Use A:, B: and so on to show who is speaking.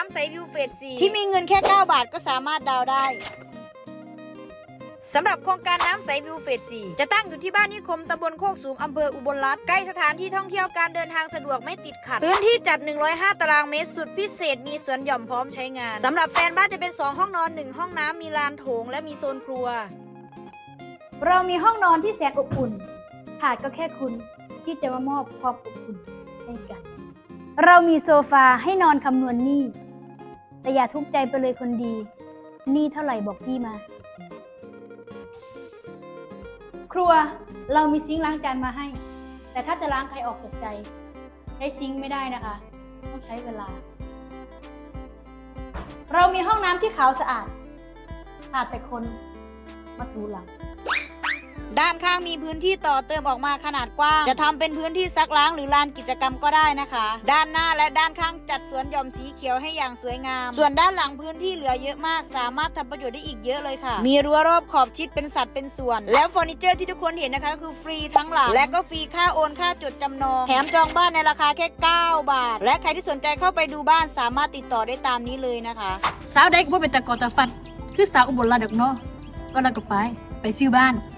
A: น้ำใสวิวเฟส4ที่มีเงินแค่9 บาทก็สามารถดาวน์ได้สำหรับโครงการน้ำใสวิวเฟส4จะตั้งอยู่ที่บ้านนิคมตำบลโคกสูงอำเภออุบลรัตน์ใกล้สถานที่ท่องเที่ยวการเดินทางสะดวกไม่ติดขัดพื้นที่จัด105ตารางเมตรสุดพิเศษมีสวนหย่อมพร้อมใช้งานสำหรับแปลนบ้านจะเป็น2ห้องนอน1ห้องน้ำมีลานโถงและมีโซนครัว
B: เรามีห้องนอนที่แสนอบอุ่นขาดก็แค่คุณที่จะมามอบความอบอุ่นให้กันเรามีโซฟาให้นอนคำนวณหนี้แต่อย่าทุกข์ใจไปเลยคนดีหนี้เท่าไหร่บอกพี่มาครัวเรามีซิงค์ล้างจานมาให้แต่ถ้าจะล้างใครออกจากใจใช้ซิงค์ไม่ได้นะคะต้องใช้เวลาเรามีห้องน้ำที่ขาวสะอาดขาดแต่คนมาถูหลัง
A: ด้านข้างมีพื้นที่ต่อเติมออกมาขนาดกว้างจะทำเป็นพื้นที่ซักล้างหรือลานกิจกรรมก็ได้นะคะด้านหน้าและด้านข้างจัดสวนหย่อมสีเขียวให้อย่างสวยงามส่วนด้านหลังพื้นที่เหลือเยอะมากสามารถทำประโยชน์ได้อีกเยอะเลยค่ะมีรั้วรอบขอบชิดเป็นสัดเป็นส่วนแล้วเฟอร์นิเจอร์ที่ทุกคนเห็นนะคะคือฟรีทั้งหลังและก็ฟรีค่าโอนค่าจดจำนองแถมจองบ้านในราคาแค่9 บาทและใครที่สนใจเข้าไปดูบ้านสามารถติดต่อได้ตามนี้เลยนะคะ
C: สาวใดก็บ่เป็นตะกอตะฟัดคือสาวอุบลราชดอกเนาะว่าเราก็ไปซื้อบ้าน